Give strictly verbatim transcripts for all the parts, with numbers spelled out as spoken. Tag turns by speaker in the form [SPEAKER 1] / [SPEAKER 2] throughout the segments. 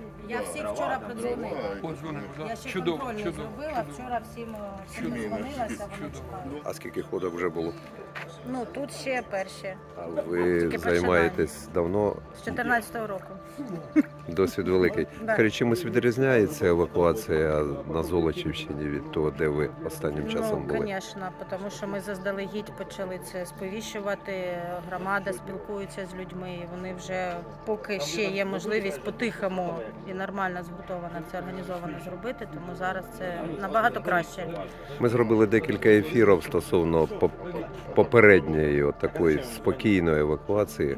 [SPEAKER 1] Я всіх вчора подзвонила.
[SPEAKER 2] Подзвонив,
[SPEAKER 1] Я
[SPEAKER 2] да.
[SPEAKER 1] ще
[SPEAKER 2] Чудово,
[SPEAKER 1] контрольний
[SPEAKER 2] чудово.
[SPEAKER 1] зробила, вчора всім, всім дзвонилася, вони чекають.
[SPEAKER 3] А скільки ходок вже було?
[SPEAKER 1] Ну, тут ще перші,
[SPEAKER 3] А ви
[SPEAKER 1] Тільки
[SPEAKER 3] займаєтесь давно?
[SPEAKER 1] з чотирнадцятого року.
[SPEAKER 3] Досвід великий.
[SPEAKER 1] Да.
[SPEAKER 3] Скажіть, чимось відрізняється евакуація на Золочівщині від того, де ви останнім часом
[SPEAKER 1] Ну,
[SPEAKER 3] були?
[SPEAKER 1] звісно, тому що ми заздалегідь почали це сповіщувати, громада спілкується з людьми, і вони вже, поки ще є можливість по-тихому і нормально згуртовано це організовано зробити, тому зараз це набагато краще.
[SPEAKER 3] Ми зробили декілька ефірів стосовно поп- попередньої от такої спокійної евакуації.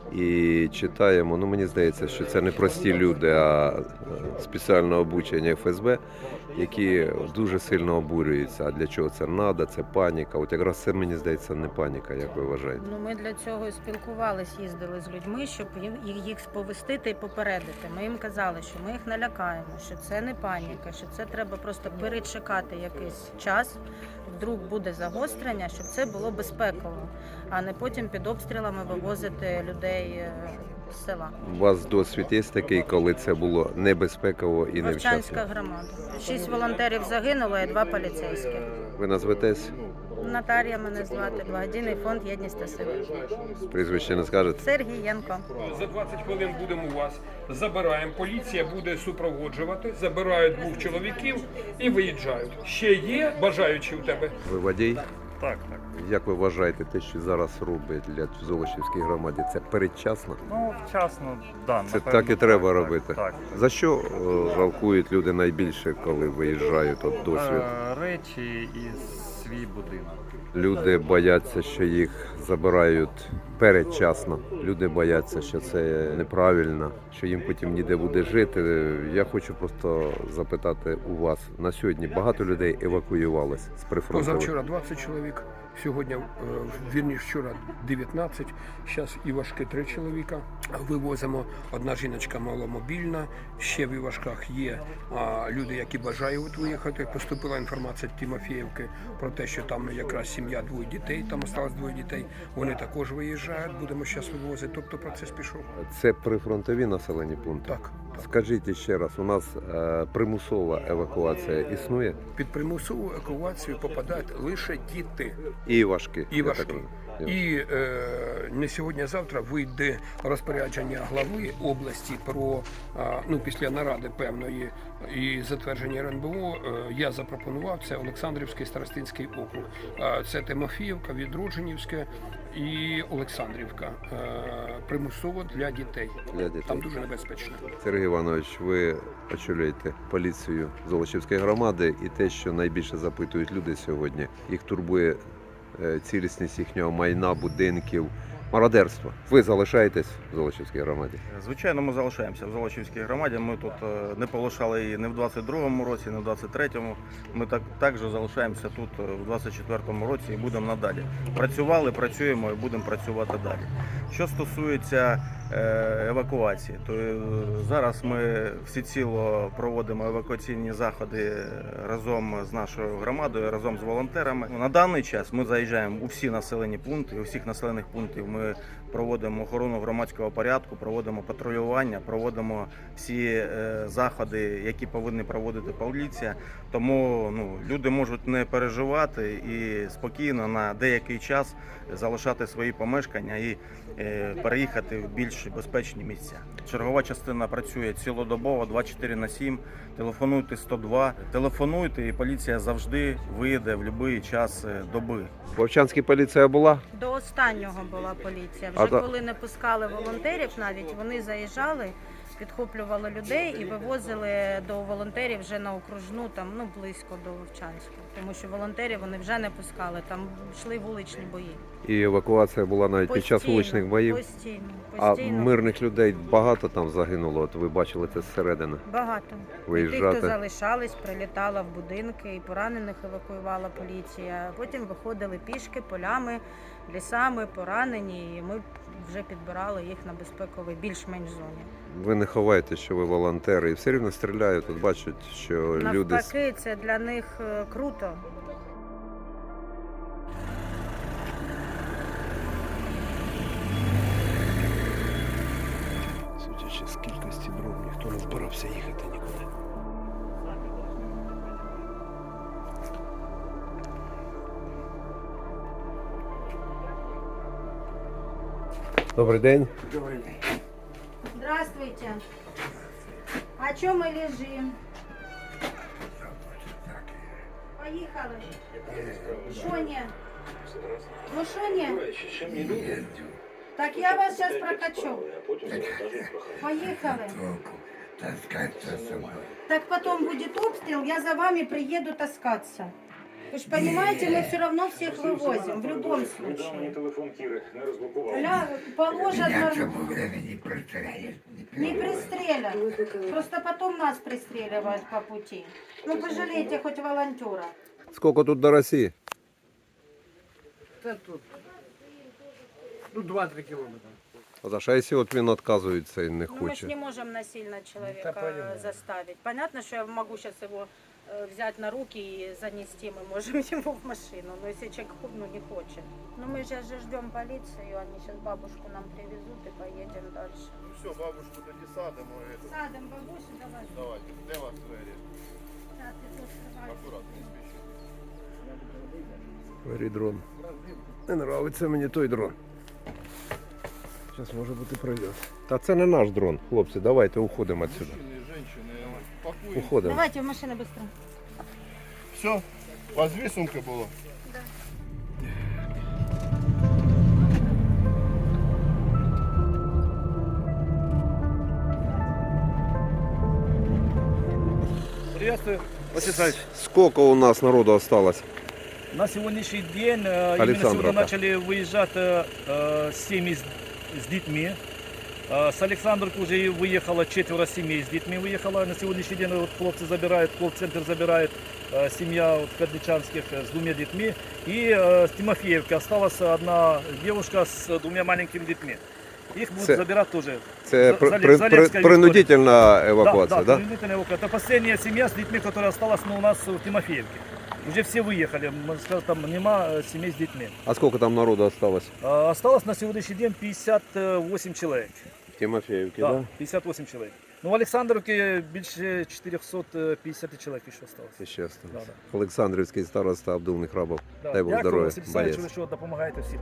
[SPEAKER 3] І читаємо, ну мені здається, що це не прості люди, а е, спеціально обучені еф ес бе, які дуже сильно обурюються. А для чого це треба, це паніка. От якраз це, мені здається, не паніка, як ви вважаєте.
[SPEAKER 1] Ну, ми для цього і спілкувались, їздили з людьми, щоб їм- їх їх сповістити і попередити. Ми їм казали, що ми їх налякаємо, що це не паніка, що це треба просто перечекати якийсь час, вдруг буде загострення, щоб це було безпеково, а не потім під обстрілами вивозити людей е, з села.
[SPEAKER 3] У вас досвід є такий, коли це було небезпеково і невчасно?
[SPEAKER 1] Вовчанська громада. Шість волонтерів загинуло і два поліцейських.
[SPEAKER 3] Ви назветесь?
[SPEAKER 1] Наталія мене звати, благодійний фонд «Єдність та сила».
[SPEAKER 3] Прізвище не скажете?
[SPEAKER 1] Сергієнко.
[SPEAKER 2] За двадцять хвилин будемо у вас. Забираємо. Поліція буде супроводжувати. Забирають двох чоловіків і виїжджають. Ще є бажаючі у тебе?
[SPEAKER 3] Ви водій?
[SPEAKER 4] Так, так.
[SPEAKER 3] Як ви вважаєте, те, що зараз роблять для Золочівській громаді, це передчасно?
[SPEAKER 4] Ну, вчасно, да,
[SPEAKER 3] Це
[SPEAKER 4] напевно,
[SPEAKER 3] так і треба
[SPEAKER 4] так,
[SPEAKER 3] робити.
[SPEAKER 4] Так.
[SPEAKER 3] За що е, жалкують люди найбільше, коли виїжджають от досвід?
[SPEAKER 4] Е, Речі і свій будинок.
[SPEAKER 3] Люди бояться, що їх забирають передчасно. Люди бояться, що це неправильно, що їм потім ніде буде жити. Я хочу просто запитати у вас, на сьогодні багато людей евакуювалось з прифронтових?
[SPEAKER 5] Позавчора двадцять чоловік, сьогодні, е, вірніше, вчора дев'ятнадцять, зараз Івашки три чоловіка. Вивозимо, одна жіночка маломобільна, ще в Івашках є а, люди, які бажають виїхати. Поступила інформація з Тимофіївки про те, що там якраз сім'я, двоє дітей, там осталось двоє дітей, вони також виїжджають, будемо зараз вивозити, тобто процес пішов.
[SPEAKER 3] Це прифронтові населені пункти?
[SPEAKER 5] Так, так.
[SPEAKER 3] Скажіть ще раз, у нас е, примусова евакуація існує?
[SPEAKER 5] Під примусову евакуацію попадають лише діти.
[SPEAKER 3] І важкі.
[SPEAKER 5] І
[SPEAKER 3] я
[SPEAKER 5] важкі.
[SPEAKER 3] так розумію.
[SPEAKER 5] І е, не сьогодні, а завтра вийде розпорядження глави області про е, ну після наради певної і затвердження РНБО. Е, я запропонував це Олександрівський старостинський округ. Е, це Тимофіївка, Відродженівське і Олександрівка. Е, примусово для дітей.
[SPEAKER 3] Для дітей.
[SPEAKER 5] Там дуже небезпечно.
[SPEAKER 3] Сергій Іванович, ви очолюєте поліцію Золочівської громади, і те, що найбільше запитують люди сьогодні, їх турбує е, цілісність їхнього майна, будинків, мародерства. Ви залишаєтесь в Золочівській громаді?
[SPEAKER 6] Звичайно, ми залишаємося в Золочівській громаді. Ми тут е, не полишали її не в двадцять другому році, не в двадцять третьому. Ми так також залишаємося тут е, в двадцять четвертому році і будемо надалі. Працювали, працюємо і будемо працювати далі. Що стосується е, евакуації, то е, зараз ми всеціло проводимо евакуаційні заходи разом з нашою громадою, разом з волонтерами. На даний час ми заїжджаємо у всі населені пункти, у всіх населених пунктів ми проводимо охорону громадського порядку, проводимо патрулювання, проводимо всі е, заходи, які повинні проводити поліція. Тому ну, люди можуть не переживати і спокійно на деякий час залишати свої помешкання і е, переїхати в більш безпечні місця. Чергова частина працює цілодобово, двадцять чотири на сім. Телефонуйте сто два, телефонуйте, і поліція завжди вийде в будь-який час доби.
[SPEAKER 3] В Вовчанській поліція була?
[SPEAKER 1] До останнього була поліція.
[SPEAKER 3] А
[SPEAKER 1] Вже
[SPEAKER 3] та-
[SPEAKER 1] коли не пускали волонтерів, навіть вони заїжджали, підхоплювали людей і вивозили до волонтерів вже на окружну, там ну близько до Вовчанська. Тому що волонтерів вони вже не пускали, там йшли вуличні бої.
[SPEAKER 3] І евакуація була навіть під час вуличних боїв?
[SPEAKER 1] Постійно,
[SPEAKER 3] А
[SPEAKER 1] постійно.
[SPEAKER 3] мирних людей багато там загинуло, от ви бачили це зсередини?
[SPEAKER 1] Багато. І
[SPEAKER 3] Виїжджати.
[SPEAKER 1] тих, хто залишались, прилітала в будинки, і поранених евакуювала поліція. Потім виходили пішки, полями, лісами, поранені, і ми вже підбирали їх на безпековій більш-менш зоні.
[SPEAKER 3] Ви не ховаєте, що ви волонтери, і все рівно стріляють, от бачать, що люди...
[SPEAKER 1] Навпаки, це для них е, круто.
[SPEAKER 5] Судячи з кількості дронів, ніхто не збирався їхати нікуди.
[SPEAKER 3] Добрий день.
[SPEAKER 1] Здравствуйте. А чё мы лежим? Поехали. Шо не? Ну шо не? Так я вас сейчас прокачу. Поехали. Так потом будет обстрел, я за вами приеду таскаться. Вы же понимаете, мы все равно всех вывозим, в любом случае. Ля, положат, не пристрелят. Просто потом нас пристреливают по пути. Ну пожалейте хоть волонтера.
[SPEAKER 3] Скільки тут до Росії?
[SPEAKER 5] Ну, два-три кілометри.
[SPEAKER 3] Наташа, а якщо от він відказується і не
[SPEAKER 1] Ну, мы же
[SPEAKER 3] хоче?
[SPEAKER 1] не можем насильно человека заставить. Понятно, что я могу сейчас его э, взять на руки и занести, мы можем его в машину. Но если человек ну, не хочет. Ну мы сейчас же ждем полицию, они сейчас бабушку нам привезут и поедем дальше.
[SPEAKER 7] Ну все, бабушку тоді садимо. і це.
[SPEAKER 1] Садом бабусю, давай.
[SPEAKER 7] Давайте, де вас двері?
[SPEAKER 1] Да, ты тут открывай.
[SPEAKER 7] Акуратно, не спішіть.
[SPEAKER 3] Бери дрон. Не нравиться мені той дрон. Зараз може бути прильот. Та це не наш дрон, хлопці, давайте уходимо відсюди.
[SPEAKER 7] Мужчини, жінки, пакуємо.
[SPEAKER 3] Уходимо.
[SPEAKER 1] Давайте в машину быстро.
[SPEAKER 7] Все, у вас дві сумки було?
[SPEAKER 8] Приветствую, Василий Александрович.
[SPEAKER 3] Скільки у нас народу осталось?
[SPEAKER 8] На сегодняшний день, э, именно
[SPEAKER 3] Александровка.
[SPEAKER 8] сегодня начали выезжать э, э, семьи с, с детьми. Э, С Александровки уже выехало четверо семей с детьми выехало. На сегодняшний день вот хлопцы забирают, колл-центр забирает э, семья вот, Кадличанских э, с двумя детьми. И э, с Тимофеевки осталась одна девушка с двумя маленькими детьми. Их будут
[SPEAKER 3] Це-
[SPEAKER 8] забирать тоже.
[SPEAKER 3] Це
[SPEAKER 8] За-
[SPEAKER 3] при,
[SPEAKER 8] Зале-
[SPEAKER 3] при,
[SPEAKER 8] Залевская
[SPEAKER 3] при, принудительна
[SPEAKER 8] Да,
[SPEAKER 3] евакуація,
[SPEAKER 8] да,
[SPEAKER 3] да?
[SPEAKER 8] принудительная эвакуация. Это последняя семья с детьми, которая осталась ну, у нас в Тимофеевке. Уже все выехали, можно сказать, там нема э, семей с детьми.
[SPEAKER 3] А скільки там народу осталось?
[SPEAKER 8] А, Осталось на сегодняшний день пятьдесят восемь человек.
[SPEAKER 3] В Тимофеївці,
[SPEAKER 8] Да,
[SPEAKER 3] да?
[SPEAKER 8] пятьдесят восемь человек. Ну, в Александровке больше четыреста пятьдесят человек еще осталось.
[SPEAKER 3] І ще осталось.
[SPEAKER 8] Да, да.
[SPEAKER 3] Олександрівський староста Абдул Храбов.
[SPEAKER 8] Да.
[SPEAKER 3] Дай Бог
[SPEAKER 8] Дякую,
[SPEAKER 3] здоров'я,
[SPEAKER 8] Василь Олександрович,
[SPEAKER 3] боєць.
[SPEAKER 8] ви що допомагаєте всім.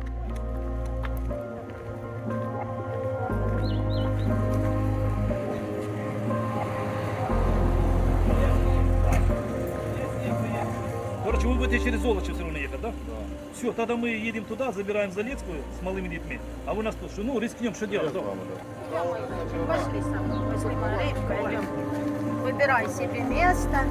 [SPEAKER 8] Короче, вы будете через Золочев все равно ехать, да? Да. Все, тогда мы едем туда, забираем Залецкую с малыми детьми. А вы нас тут, что, ну, рискнем, что делать? Да?
[SPEAKER 1] Пошли со мной, пошли, Маречка, идем. Выбирай себе место.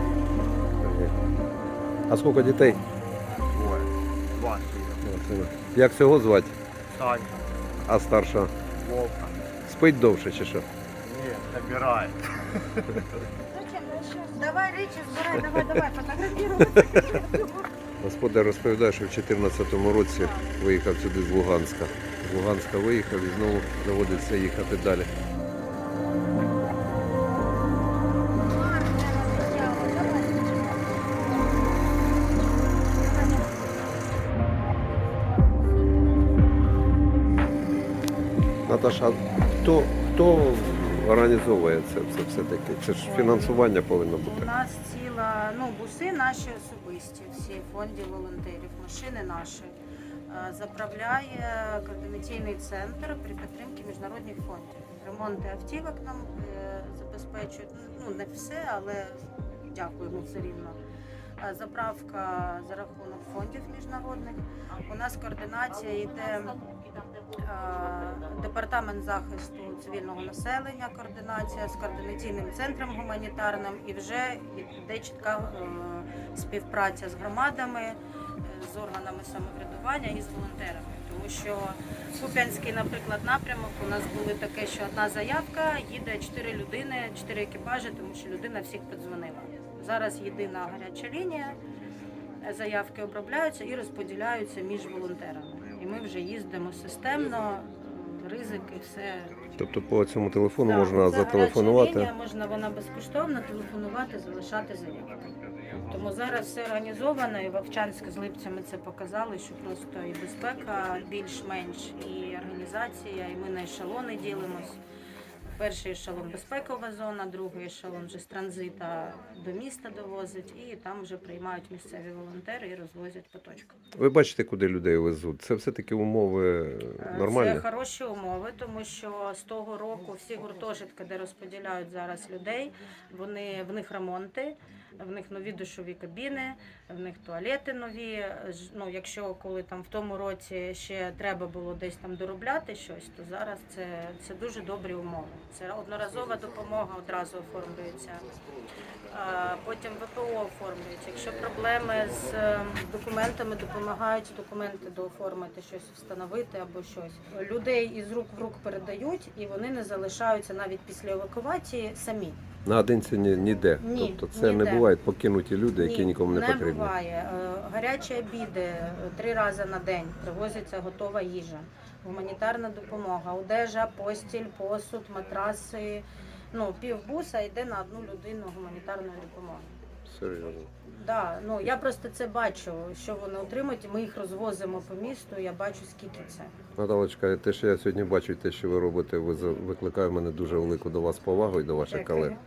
[SPEAKER 3] А скільки дітей?
[SPEAKER 6] Двоє. Два.
[SPEAKER 3] Як цього звати?
[SPEAKER 6] Сань,
[SPEAKER 3] А старша?
[SPEAKER 6] Вовка.
[SPEAKER 3] Спить довше чи що?
[SPEAKER 6] Ні, набирає.
[SPEAKER 1] Зачем? Давай речи сбирай, давай, давай, фотографироваться.
[SPEAKER 3] Господар розповідає, що в дві тисячі чотирнадцятому році виїхав сюди з Луганська. З Луганська виїхав і знову доводиться їхати далі. Наташа, а хто, хто організовує це, це все-таки? Це ж фінансування повинно
[SPEAKER 1] У
[SPEAKER 3] бути.
[SPEAKER 1] нас ціла, ну, буси наші особисті, всі в фонді волонтерів, машини наші. Е, Заправляє координаційний центр при підтримці міжнародних фондів. Ремонти автівок нам е, забезпечують, ну не все, але дякуємо все рівно. Е, Заправка за рахунок фондів міжнародних. У нас координація йде е, департамент захисту цивільного населення, координація з координаційним центром гуманітарним, і вже йде чітка е, співпраця з громадами, е, з органами самоврядування і з волонтерами. Тому що Куп'янський, наприклад, напрямок у нас було таке, що одна заявка, їде чотири людини, чотири екіпажі, тому що людина всіх подзвонила. Зараз єдина гаряча лінія, заявки обробляються і розподіляються між волонтерами. І ми вже їздимо системно, ризики, все.
[SPEAKER 3] Тобто по цьому телефону
[SPEAKER 1] Так,
[SPEAKER 3] можна
[SPEAKER 1] це гаряча
[SPEAKER 3] зателефонувати.
[SPEAKER 1] лінія, можна вона безкоштовно телефонувати, залишати заявку. Тому зараз все організовано, і Вовчанськ з Липцями це показали, що просто і безпека більш-менш, і організація, і ми на ешелони ділимось. Перший ешелон безпекова зона, другий ешелон вже з транзита до міста довозить, і там вже приймають місцеві волонтери і розвозять по точках.
[SPEAKER 3] Ви бачите, куди людей везуть? Це все-таки умови
[SPEAKER 1] Е,
[SPEAKER 3] нормальні?
[SPEAKER 1] Це хороші умови, тому що з того року всі гуртожитки, де розподіляють зараз людей, вони в них ремонти, в них нові душові кабіни, в них туалети нові. Ж- Ну, якщо коли там в тому році ще треба було десь там доробляти щось, то зараз це, це дуже добрі умови. Це одноразова допомога одразу оформлюється. А потім ВПО оформлюють. Якщо проблеми з е, документами, допомагають документи дооформити, щось встановити або щось. Людей із рук в рук передають, і вони не залишаються навіть після евакуації самі.
[SPEAKER 3] Наодинці ні, ніде.
[SPEAKER 1] Ні,
[SPEAKER 3] Тобто це
[SPEAKER 1] ніде.
[SPEAKER 3] не бувають покинуті люди, які
[SPEAKER 1] Ні,
[SPEAKER 3] нікому не,
[SPEAKER 1] не
[SPEAKER 3] потрібні.
[SPEAKER 1] буває. Е, Гарячі обіди е, три рази на день, привозиться готова їжа, гуманітарна допомога, одежа, постіль, посуд, матраси. Ну, півбуса йде на одну людину гуманітарної допомоги.
[SPEAKER 3] Серйозно.
[SPEAKER 1] Да, ну я просто це бачу, що вони отримують, і ми їх розвозимо по місту. Я бачу, скільки це.
[SPEAKER 3] Наталочка, те, що я сьогодні бачу, те, що ви робите, ви за- викликає в мене дуже велику до вас повагу і до ваших
[SPEAKER 1] Дякую.
[SPEAKER 3] колег.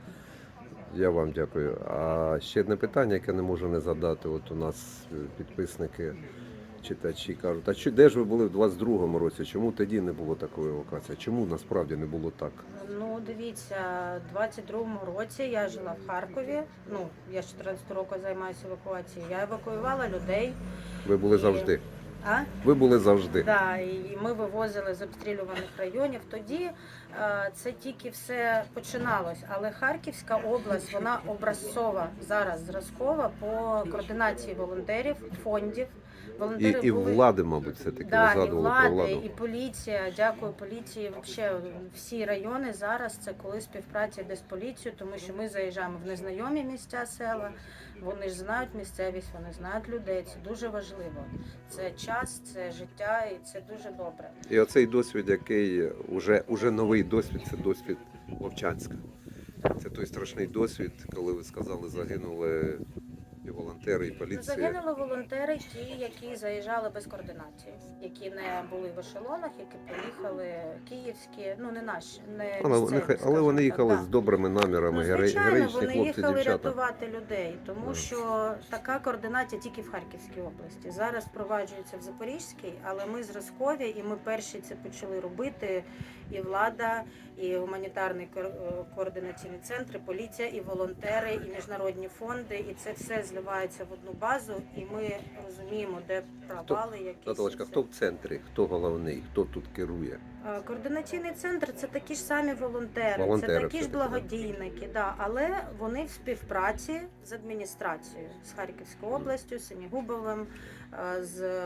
[SPEAKER 3] Я вам дякую. А ще одне питання, яке не можу не задати. От у нас е, підписники, читачі кажуть, а чи де ж ви були в двадцять другому році? Чому тоді не було такої евакуації? Чому насправді не було так?
[SPEAKER 1] Ну, дивіться, в двадцять другому році я жила в Харкові. Ну, я з чотирнадцятого року займаюся евакуацією. Я евакуювала людей.
[SPEAKER 3] Ви були
[SPEAKER 1] І-
[SPEAKER 3] завжди.
[SPEAKER 1] А?
[SPEAKER 3] Ви були завжди.
[SPEAKER 1] Да, і ми вивозили з обстрілюваних районів. Тоді е, це тільки все починалось. Але Харківська область, вона образцова зараз зразкова по координації волонтерів, фондів.
[SPEAKER 3] І,
[SPEAKER 1] Волонтери
[SPEAKER 3] і
[SPEAKER 1] були...
[SPEAKER 3] влади, мабуть, все-таки
[SPEAKER 1] Да,
[SPEAKER 3] ви
[SPEAKER 1] і
[SPEAKER 3] згадували про
[SPEAKER 1] влади,
[SPEAKER 3] владу.
[SPEAKER 1] і поліція. Дякую поліції. Вообще всі райони зараз це коли співпраця йде з поліцією, тому що ми заїжджаємо в незнайомі місця, села. Вони ж знають місцевість, вони знають людей. Це дуже важливо. Це час, це життя, і це дуже добре.
[SPEAKER 3] І оцей досвід, який уже, уже новий досвід, це досвід Вовчанська. Це той страшний досвід, коли ви сказали, загинули і волонтери, і поліція.
[SPEAKER 1] Загинули волонтери, ті, які заїжджали без координації, які не були в ешелонах, які приїхали київські, ну не наші, не
[SPEAKER 3] Але,
[SPEAKER 1] місцеві,
[SPEAKER 3] нехай- але
[SPEAKER 1] скажімо
[SPEAKER 3] вони
[SPEAKER 1] так,
[SPEAKER 3] їхали
[SPEAKER 1] да.
[SPEAKER 3] з добрими намірами,
[SPEAKER 1] Ну,
[SPEAKER 3] гере-
[SPEAKER 1] звичайно,
[SPEAKER 3] героїчні
[SPEAKER 1] вони
[SPEAKER 3] хлопці,
[SPEAKER 1] їхали
[SPEAKER 3] дівчата.
[SPEAKER 1] рятувати людей, тому
[SPEAKER 3] Да.
[SPEAKER 1] що така координація тільки в Харківській області. Зараз впроваджується в Запорізькій, але ми зразкові, і ми перші це почали робити. І влада, і гуманітарний ко- е, координаційний центр, і поліція, і волонтери, і міжнародні фонди. І це все зливається в одну базу, і ми розуміємо, де провали, якісь.
[SPEAKER 3] Наталочка,
[SPEAKER 1] це.
[SPEAKER 3] хто в центрі, хто головний, хто тут керує?
[SPEAKER 1] Е, Координаційний центр це такі ж самі волонтери,
[SPEAKER 3] Волонтери
[SPEAKER 1] це такі ж
[SPEAKER 3] все-таки, да.
[SPEAKER 1] благодійники, да, але вони в співпраці з адміністрацією, з Харківською областю, з Синігубовим, е, з е,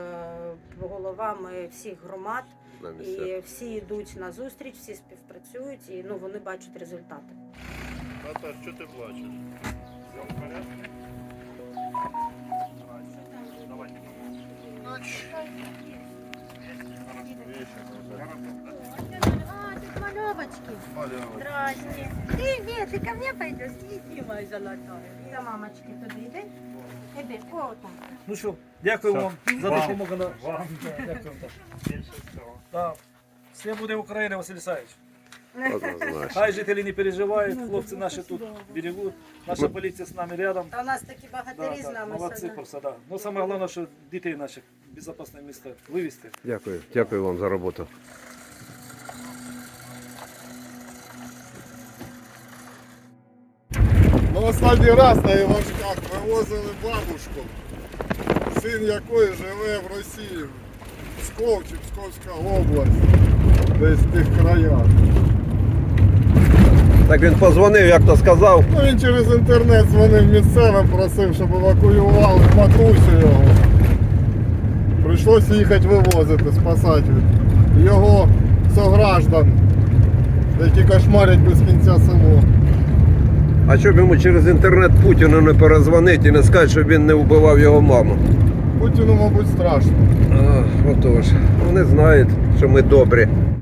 [SPEAKER 1] головами всіх громад.
[SPEAKER 3] На місцях?
[SPEAKER 1] І всі йдуть на зустріч, всі співпрацюють, і ну вони бачать результати.
[SPEAKER 7] Наташ, що ти плачеш?
[SPEAKER 1] А, тут мальовочки. Здрасте. Привет, ты ко мне пойдешь? Иди, моя золотая. Та мамочки туди йди. Іди, о, там.
[SPEAKER 8] Ну що, дякую
[SPEAKER 4] Все.
[SPEAKER 8] вам за
[SPEAKER 4] Вам.
[SPEAKER 8] допомогу. на-
[SPEAKER 4] Вам
[SPEAKER 8] Дякую.
[SPEAKER 4] більше всього.
[SPEAKER 8] Да. Все буде Україна, Василь Ісаївич.
[SPEAKER 3] Однозначно.
[SPEAKER 8] Хай жителі не переживають, хлопці наші тут берегуть. Наша поліція з нами рядом.
[SPEAKER 1] Та у нас такі багатирі з нами
[SPEAKER 8] молодці
[SPEAKER 1] сидять.
[SPEAKER 8] просто, да. Ну саме головне, що дітей наших в безпечне місце вивезти.
[SPEAKER 3] Дякую. Дякую вам за роботу.
[SPEAKER 7] Ми останній раз на Івашках вивозили бабушку, син якої живе в Росії, Псков чи Псковська область, десь в тих краях.
[SPEAKER 3] Так він позвонив, як то сказав.
[SPEAKER 7] Ну він через інтернет дзвонив місцевим, просив, щоб евакуювали матусю його. Прийшлося їхати вивозити, спасати його сограждан, які кошмарять без кінця село.
[SPEAKER 3] А щоб йому через інтернет Путіну не перезвонити і не сказати, щоб він не вбивав його маму?
[SPEAKER 7] Путіну, мабуть, страшно.
[SPEAKER 3] А, отож, вони знають, що ми добрі.